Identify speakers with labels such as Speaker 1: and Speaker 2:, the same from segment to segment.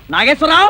Speaker 1: నాగేశ్వరరావు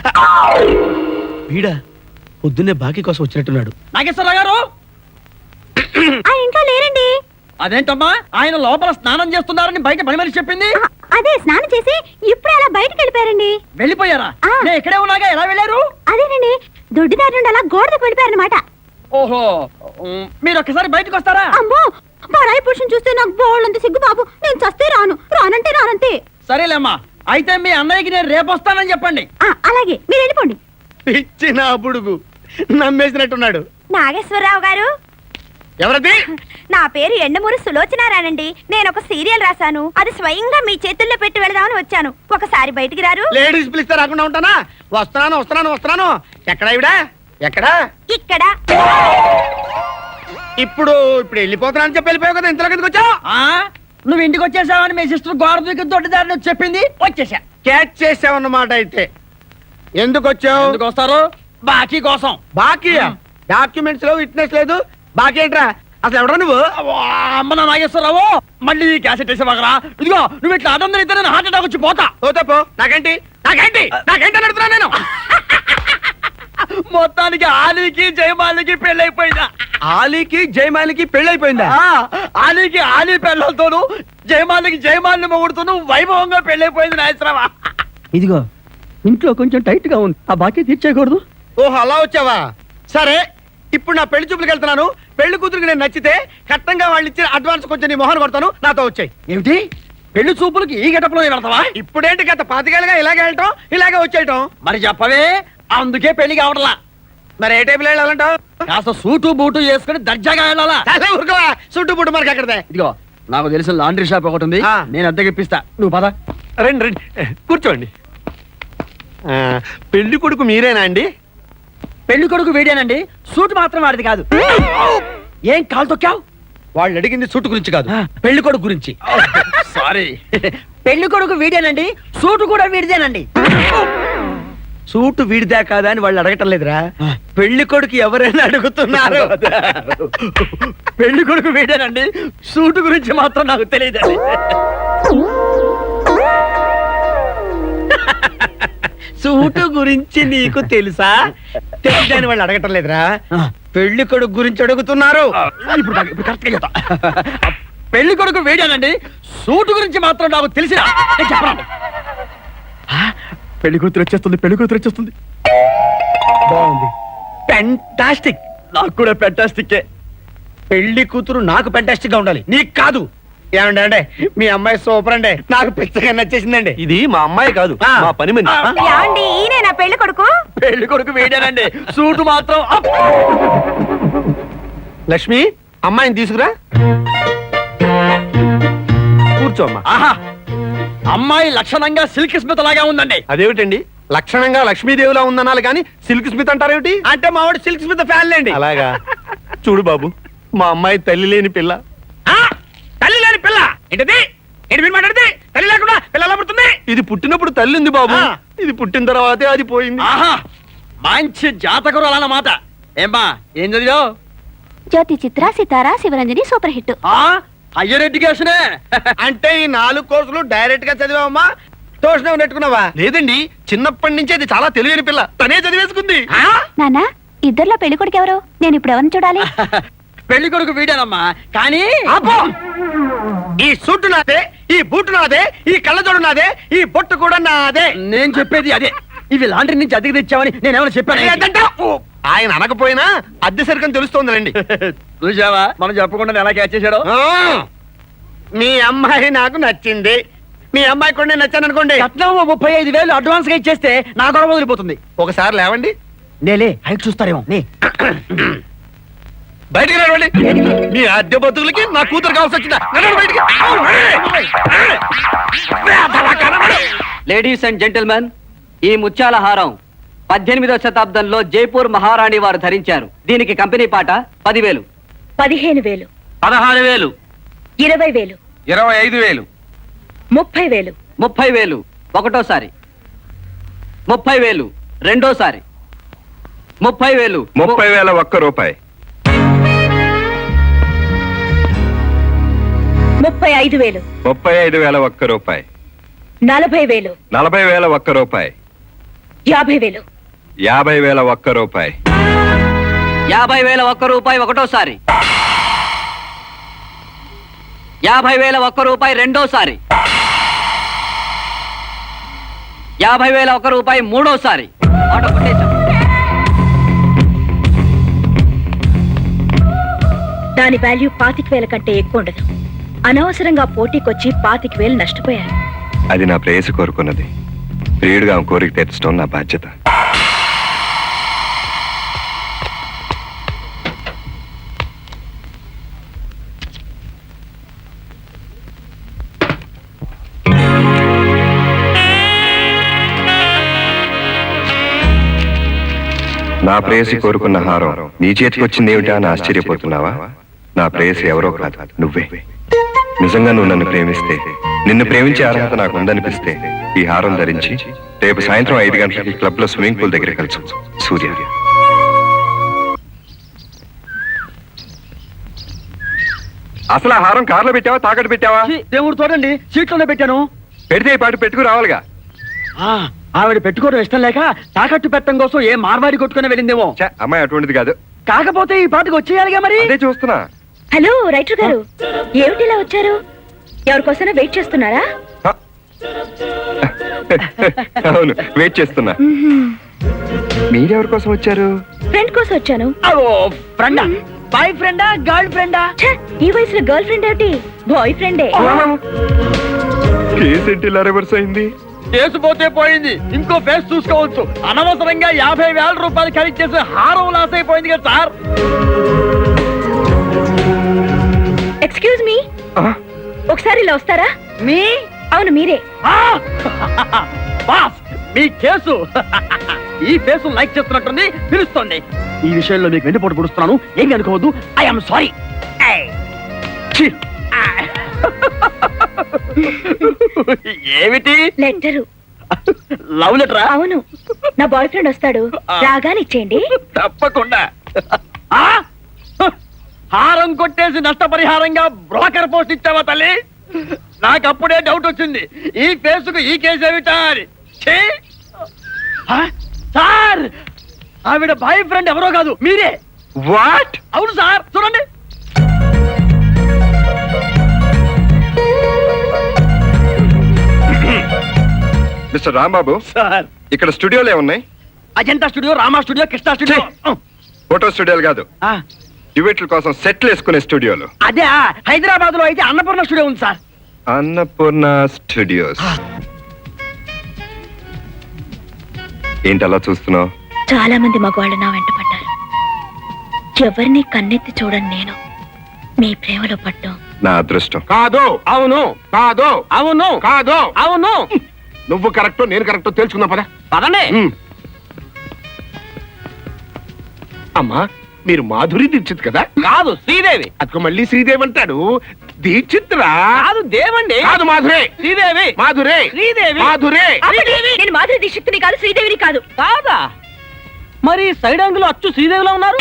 Speaker 2: వీడా పొద్దున్నే బాకీ కోసం వచ్చినట్టున్నాడు.
Speaker 1: నాగేశ్వరరావు గారు
Speaker 3: ఇంకా లేరండి.
Speaker 1: అదేంటమ్మా ఆయన లోపల స్నానం చేస్తున్నారని బయట పని మనిషి చెప్పింది.
Speaker 3: అదే స్నానం చేసి ఇప్పుడు అలా బయటకు వెళ్ళిపోయారండి.
Speaker 1: వెళ్ళిపోయారా? నేను ఇక్కడే ఉన్నాగా, ఎలా వెళ్ళారు?
Speaker 3: అదేనండి, దొడ్డిదారి నుండి అలా గోడకు వెళ్ళిపోయారనమాట.
Speaker 1: ఓహో, మీరు ఒక్కసారి బయటకు వస్తారా?
Speaker 3: అమ్మో, పరాయి పురుషుని చూస్తే నాకు బోళ్ళంత సిగ్గు బాబు. నేను చస్తే రానంటే రానంతే.
Speaker 1: సరేలేమ్మా, అయితే మీ అన్నయ్యకి నేను రేపు వస్తానని చెప్పండి.
Speaker 3: అలాగే, మీరు వెళ్ళిపోండి.
Speaker 2: ఇచ్చిన బుడుగు నమ్మేసినట్టున్నాడు.
Speaker 3: నాగేశ్వరరావు గారు,
Speaker 2: ఎవరది?
Speaker 3: నా పేరు ఎండమూరి సులోచనారానండి. నేను ఒక సీరియల్ రాశాను, అది స్వయంగా మీ చేతుల్లో పెట్టి వెళదామని వచ్చాను. ఒకసారి బయటికి రారు?
Speaker 2: లేడీస్ పిలిస్తే రాకుండా ఉంటానా? వస్తున్నాను. ఎక్కడ ఇవిడా? ఎక్కడా?
Speaker 3: ఇక్కడ.
Speaker 2: ఇప్పుడు వెళ్ళిపోతున్నానని చెప్పి వెళ్ళిపోయావు కదా, ఇంతలో కిందకి వచ్చావు.
Speaker 1: నువ్వు ఇంటికి వచ్చేసావని మీ సిస్టర్ గోడ దూకి దొడ్డిదారిని వచ్చి చెప్పింది, వచ్చేసా.
Speaker 2: క్యాచ్ చేసావన్నమాట. అయితే ఎందుకు వచ్చావు?
Speaker 1: ఎందుకు వస్తారు? బాకీ కోసం.
Speaker 2: బాకీ? డాక్యుమెంట్స్ లో విట్నెస్ లేదు, బాకీ ఏంట్రా? అసలు ఎవడా నువ్వు?
Speaker 1: అమ్మ నా నాగేశ్వరరావు, మళ్ళీ క్యాసెట్ వేసేవాగరా? ఇదిగో నువ్వు ఇట్లా అడ్డం అయితే నేను హార్ట్ అటాక్ వచ్చి పోతా.
Speaker 2: పో. నాకేంటి అడుగుతున్నా నేను.
Speaker 1: మొత్తానికి ఆలీకి జయమాలికి పెళ్ళైపోయిందా?
Speaker 2: ఆలీకి జయమాలికి పెళ్ళైపోయిందా?
Speaker 1: ఆలీకి ఆలీ పెళ్ళతోను, జయమాలికి జయమాలిని మొగుడుతోను వైభవంగా పెళ్ళైపోయింది నాగేశ్వరరావా. ఇదిగో ఇంట్లో కొంచెం టైట్ గా ఉంది, ఆ బాకీ తీర్చేయకూడదు.
Speaker 2: ఓహో, అలా వచ్చావా? సరే, ఇప్పుడు నా పెళ్లి చూపులకు వెళ్తున్నాను. పెళ్లి కూతురికి నేను నచ్చితే కట్టంగా వాళ్ళు ఇచ్చిన అడ్వాన్స్ కొంచెం నీ మొహన్ కొడతాను, నాతో వచ్చాయి.
Speaker 1: ఏమిటి పెళ్లి చూపులకి ఈ గెటప్లో వెళ్తావా?
Speaker 2: ఇప్పుడేంటి గత 5 ఏళ్ళుగా ఇలాగే వెళ్ళటం, ఇలాగే వచ్చేయటం.
Speaker 1: మరి చెప్పవే, అందుకే పెళ్లి కావడలా.
Speaker 2: మరి ఏ టైపులో వెళ్ళాలంటావు?
Speaker 1: కాస్త సూటు బూటు వేసుకుని దర్జాగా వెళ్ళాలా?
Speaker 2: ఊరుకోవా, చుట్టూ పుట్టు మనకి అక్కడదే.
Speaker 1: ఇదిగో నాకు తెలిసిన లాండ్రీ షాప్ ఒకటి ఉంది, నేను అద్దెకిప్పిస్తా, నువ్వు పద.
Speaker 2: రండి కూర్చోండి. పెళ్లి కొడుకు మీరేనా అండి?
Speaker 1: పెళ్లి కొడుకు వీడేనండి, సూట్ మాత్రం వాడిది కాదు. ఏం కాలు తొక్కావు?
Speaker 2: వాళ్ళు అడిగింది సూట్ గురించి కాదు, పెళ్లి కొడుకు గురించి.
Speaker 1: సారీ. పెళ్లి కొడుకు వీడేనండి, సూటు కూడా వీడిదేనండి.
Speaker 2: సూటు వీడిదా కాదా అని వాళ్ళు అడగటం లేదురా, పెళ్లి కొడుకు ఎవరైనా అడుగుతున్నారు.
Speaker 1: పెళ్లి కొడుకు వీడేనండి, సూటు గురించి మాత్రం నాకు తెలియదండి.
Speaker 2: సూటు గురించి నీకు తెలుసా? తెలియదని వాళ్ళు అడగటం లేదురా, పెళ్లి కొడుకు గురించి అడుగుతున్నారు.
Speaker 1: ఇప్పుడు కరెక్ట్ గా చెప్తా. పెళ్లి కొడుకు వీడేనండి, సూటు గురించి మాత్రం నాకు తెలిసినా చెప్పండి. పెళ్లి కూతురు వచ్చేస్తుంది.
Speaker 2: బాగుంది, ఫెంటాస్టిక్.
Speaker 1: నాకు కూడా ఫెంటాస్టిక్.
Speaker 2: పెళ్లి కూతురు నాకు ఫెంటాస్టిక్ గా ఉండాలి, నీకు కాదు. ఏమండి అంటే మీ అమ్మాయి సూపర్ అండి, నాకు పిచ్చగా నచ్చేసిందండి.
Speaker 4: ఇది మా అమ్మాయి కాదు, మా పని మనిషి.
Speaker 3: ఈయన నా పెళ్లి కొడుకు.
Speaker 1: పెళ్లి కొడుకు వీడేనండి, సూటు మాత్రం.
Speaker 2: లక్ష్మి, అమ్మాయిని తీసుకురా. కూర్చోమ్మా.
Speaker 1: ఆహా, అమ్మాయి లక్షణంగా సిల్క్ స్మిత్ లాగా ఉందండి.
Speaker 4: అదేమిటండి, లక్షణంగా లక్ష్మీదేవిలా ఉందనాలి కానీ సిల్క్ స్మిత్ అంటారేమిటి?
Speaker 2: అంటే మా వాడు సిల్క్ స్మిత్ ఫ్యాన్ లేండి.
Speaker 4: అలాగా? చూడు బాబు, మా అమ్మాయి తల్లి లేని పిల్ల.
Speaker 2: తల్లి లేని పిల్ల ఏంటది? ఏంటి మీరు మాట్లాడితే? తల్లి లేకుండా పిల్ల ఎలా పుడుతుంది?
Speaker 4: ఇది పుట్టినప్పుడు తల్లి ఉంది బాబు, ఇది పుట్టిన తర్వాతే అది పోయింది.
Speaker 1: ఆహా, మంచి జాతకురాలు అన్నమాట. ఏమ్మా, ఏం చదివావు?
Speaker 3: Jyothi Chitra, Sitara, Sivaranjani super hit.
Speaker 1: Higher ఎడ్యుకేషనే.
Speaker 2: అంటే ఈ 4 కోర్సులు డైరెక్ట్ గా చదివావమ్మా, ట్యూషన్ నెట్టుకున్నావా?
Speaker 4: లేదండి, చిన్నప్పటి నుంచి అది చాలా తెలియని పిల్ల, తనే చదివేసుకుంది.
Speaker 3: నానా, ఇద్దర్లో పెళ్లి కొడుకు ఎవరు? నేను ఇప్పుడు ఎవరిని చూడాలి?
Speaker 1: పెళ్లి కొడుకు వీడేనమ్మా, కానీ
Speaker 2: ఈ సూటు నాదే, ఈ బూటు నాదే, ఈ కళ్ళజోడు నాదే, ఈ బొట్టు కూడా నాదే.
Speaker 1: నేను చెప్పేది అదే. ఇవి లాండ్రీ నుంచి అద్దెకి తెచ్చావని నేనేమైనా చెప్పాను?
Speaker 4: ఆయన అనకపోయినా అద్దె సరికని తెలుస్తోందండి.
Speaker 1: చూసావా, మనం చెప్పకుండా ఎలా క్యాచ్ చేశాడో.
Speaker 2: మీ అమ్మాయి నాకు నచ్చింది, మీ అమ్మాయి కూడా నేను నచ్చాను అనుకోండి.
Speaker 1: కట్నం 35,000 అడ్వాన్స్ గా ఇచ్చేస్తే నా గొడవ వదిలిపోతుంది.
Speaker 4: ఒకసారి లేవండి.
Speaker 1: నేలే హైట్ చూస్తారేమో.
Speaker 4: బయటికి రావండి. మీ అద్దె బతుకులకి నా కూతురు కావాల్సి వచ్చిందా? బయటికి.
Speaker 5: లేడీస్ అండ్ జెంటిల్మెన్, ఈ ముత్యాల హారం 18వ శతాబ్దంలో జైపూర్ మహారాణి వారు ధరించారు. దీనికి కంపెనీ పాట 10,000,
Speaker 3: 15,000,
Speaker 5: 16,000,
Speaker 3: 20,000,
Speaker 4: 25,000,
Speaker 3: 30,000,
Speaker 5: 30,000 ఒకటోసారి, 30,000 రెండోసారి, 30,000,
Speaker 4: 30,000 ఒక్క రూపాయి,
Speaker 3: 35,000,
Speaker 4: 35,000 ఒక్క రూపాయి,
Speaker 3: 40,000,
Speaker 4: 40,000 ఒక్క రూపాయి,
Speaker 6: 50,000.
Speaker 4: 50,000 ఒక్క రూపాయి.
Speaker 5: 50,000 ఒక్క రూపాయి ఒకటోసారి. 50,000 ఒక్క రూపాయి రెండోసారి. 50,000 ఒక్క రూపాయి మూడోసారి. ఆటో కొట్టేశాం.
Speaker 6: దాని వాల్యూ 25,000 కంటే ఎక్కువ ఉండదు. అనవసరంగా పోటీకొచ్చి 25,000 నష్టపోయారు.
Speaker 4: అది నా ప్రేయసి కోరుకున్నది. ప్రియుడిగా ఆమె కోరిక తీర్చడం నా బాధ్యత. నా ప్రేయసి కోరుకున్న హారం నీ చేతికి వచ్చింది ఏమిటా అని ఆశ్చర్యపోతున్నావా? నా ప్రేయసి ఎవరో కాదు, నువ్వే. నిజంగా నువ్వు నన్ను ప్రేమిస్తే, నిన్ను ప్రేమించే అర్హత నాకు ఉందనిపిస్తే ఈ హారం ధరించి రేపు సాయంత్రం 5 గంటలకి క్లబ్ లో స్విమ్మింగ్ పూల్ దగ్గర కలుసు. సూర్య. అసలు ఆ హారం కార్లో పెట్టావా తాకట్టు పెట్టావా?
Speaker 1: ఛీ, దేవుడు చూడండి, సీట్లోనే పెట్టాను.
Speaker 4: పెడితే ఈ పాటు పెట్టుకు రావాలిగా.
Speaker 1: ఆ, ఆవిడ పెట్టుకోవడం ఇష్టం లేక తాకట్టు పెట్టడం కోసం ఏ మార్వాడి కొట్టుకుని వెళ్ళిందేమో.
Speaker 4: ఛే, అమ్మాయి అటువంటిది కాదు.
Speaker 1: కాకపోతే ఈ పాటకు వచ్చేయాలిగా మరి.
Speaker 4: అదే చూస్తున్నా.
Speaker 6: హలో రైటర్ గారు, ఏమిటి ఇలా వచ్చారు? ఎవరికోసమైనా వెయిట్ చేస్తున్నారా?
Speaker 4: హ. అవును, వెయిట్ చేస్తున్నా. మీరెవరి కోసం వచ్చారు?
Speaker 6: ఫ్రెండ్ కోసం వచ్చాను.
Speaker 1: ఓ ఫ్రెండా? బాయ్ ఫ్రెండా గర్ల్ ఫ్రెండా?
Speaker 6: ఛే, ఈ వయసులో గర్ల్ ఫ్రెండ్ ఏమిటి? బాయ్ ఫ్రెండే.
Speaker 4: కేసు ఏంటి ఇలా రివర్స్ అయింది?
Speaker 1: కేసు పోతే పోయింది, ఇంకో ఫేస్ చూసుకోవచ్చు. అనవసరంగా 50,000 రూపాయలు ఖరీదు చేసి హారం లాస్ అయిపోయింది కదా సార్.
Speaker 6: ఎక్స్క్యూజ్ మీ,
Speaker 4: ఆ?
Speaker 6: ఒకసారి ఇలా వస్తారా?
Speaker 1: మీ
Speaker 6: అవును మీరే.
Speaker 1: ఆ! బాస్, మీ కేసు ఈ ఫేసు లైక్ చేస్తున్నట్టుంది, పిలుస్తుంది. ఈ విషయంలో మీకు వెండిపోటు పుడుస్తున్నాను, ఏమి అనుకోవద్దు. I'm sorry. ఏమిటి?
Speaker 6: లెటరు.
Speaker 1: లవ్ లెటరా?
Speaker 6: అవును, నా బాయ్ ఫ్రెండ్ వస్తాడు, రాగానే ఇచ్చేయండి.
Speaker 1: తప్పకుండా. ఆ? హారం కొట్టేసి నష్టపరిహారంగా బ్రోకర్ పోస్ట్ ఇచ్చావా తల్లి? నాకు అప్పుడే డౌట్ వచ్చింది, ఈ ఫేసుకు ఈ కేసు ఏమిటా అని. ఛీ! ఆ? సార్, ఆవిడ బాయ్ ఫ్రెండ్ ఎవరో కాదు, మీరే.
Speaker 4: వాట్?
Speaker 1: అవును సార్, చూడండి.
Speaker 4: మిస్టర్ రాంబాబు,
Speaker 1: సార్,
Speaker 4: ఇక్కడ స్టూడియోలు ఏమున్నాయి?
Speaker 1: Ajanta studio, Rama studio, Krishna studio.
Speaker 4: Photo స్టూడియోలు కాదు,
Speaker 1: ఆ,
Speaker 4: డ్యూయెట్ల కోసం సెట్లు వేసుకునే స్టూడియోలు.
Speaker 1: అదే హైదరాబాద్ లో అయితే అన్నపూర్ణ స్టూడియో ఉంది సార్.
Speaker 4: అన్నపూర్ణ స్టూడియోస్. ఏంటి అలా చూస్తున్నావు?
Speaker 6: చాలా మంది మగవాళ్ళు నా వెంట పడ్డారు. ఎవరిని కన్నెత్తి చూడని నేను మీ ప్రేమలో పడ్డాం.
Speaker 4: నా అదృష్టం.
Speaker 2: కాదు,
Speaker 1: అవును,
Speaker 2: కాదు,
Speaker 1: అవును,
Speaker 2: కాదు.
Speaker 1: అవును.
Speaker 2: నువ్వు కరెక్టో నేను కరెక్టో తెలుసుకుందాం పద.
Speaker 1: పదండి.
Speaker 2: అమ్మా, మీరు మాధురి దీక్షిత్ కదా?
Speaker 1: కాదు, శ్రీదేవి.
Speaker 2: అదిగో మళ్ళీ శ్రీదేవి అంటాడు. దీక్షిత్ రా.
Speaker 1: కాదు, దేవండి.
Speaker 2: కాదు, మాధురే.
Speaker 1: శ్రీదేవి.
Speaker 2: మాధురే.
Speaker 1: శ్రీదేవి.
Speaker 2: మాధురే.
Speaker 6: ఆపండి, నేను మాధురి దీక్షిత్తుని కాదు, శ్రీదేవిని కాదు.
Speaker 1: కాదా? మరి సైడ్ యాంగిల్ అచ్చు శ్రీదేవిలో ఉన్నారు.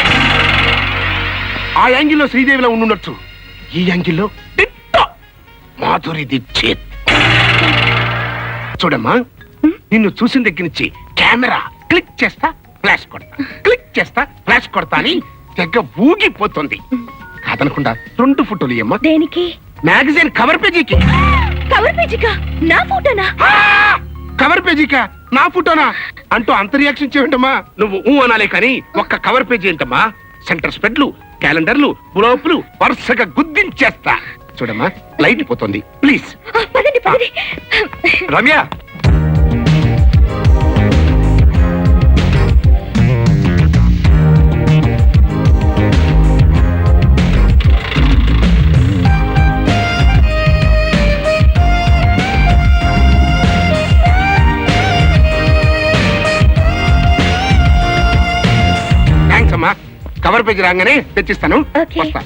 Speaker 2: ఆ యాంగిల్లో శ్రీదేవిలో ఉండుండొచ్చు, ఈ యాంగిల్లో దిట్టో మాధురి దీక్షిత్. చూడమ్మా, నిన్ను చూసిన దగ్గర నుంచి కెమెరా క్లిక్ చేస్తా ఫ్లాష్ కొడతా, క్లిక్ చేస్తా ఫ్లాష్ కొడతా అని తెగ ఊగిపోతుంది. కాదనకుండా 2 ఫోటోలు ఇయ్యమ్మా.
Speaker 6: దేనికి?
Speaker 2: మ్యాగజైన్ కవర్ పేజీకి.
Speaker 6: కవర్ పేజీకా? నా ఫోటోనా?
Speaker 2: ఆ! కవర్ పేజీకా? నా ఫోటోనా అంటూ అంత రియాక్షన్ చేయండమ్మా. నువ్వు ఊ అనాలే కానీ ఒక్క కవర్ పేజీ ఏంటమ్మా? సెంటర్ స్పెడ్లు, క్యాలెండర్లు, బ్లోపులు వరుసగా గుద్దించేస్తా. చూడమ్మా, లైట్ పోతుంది, ప్లీజ్.
Speaker 6: పదండి పదండి.
Speaker 4: రమ్య,
Speaker 2: థ్యాంక్స్ అమ్మా. కవర్ పేజీ రాగానే తెచ్చిస్తాను.
Speaker 6: ఓకే.
Speaker 2: వస్తా.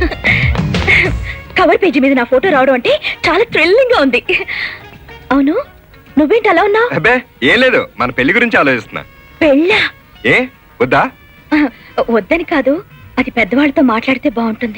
Speaker 6: కవర్ పేజీ మీద నా ఫోటో రావడం అంటే చాలా థ్రిల్లింగ్ గా ఉంది. అవును, నువ్వేంటి అలా ఉన్నావు?
Speaker 4: అబ్బే ఏం లేదు, మన పెళ్లి గురించి ఆలోచిస్తున్నా.
Speaker 6: పెళ్ళా?
Speaker 4: ఏ వద్దా?
Speaker 6: వద్దని కాదు, అది పెద్దవాళ్ళతో మాట్లాడితే బాగుంటుంది.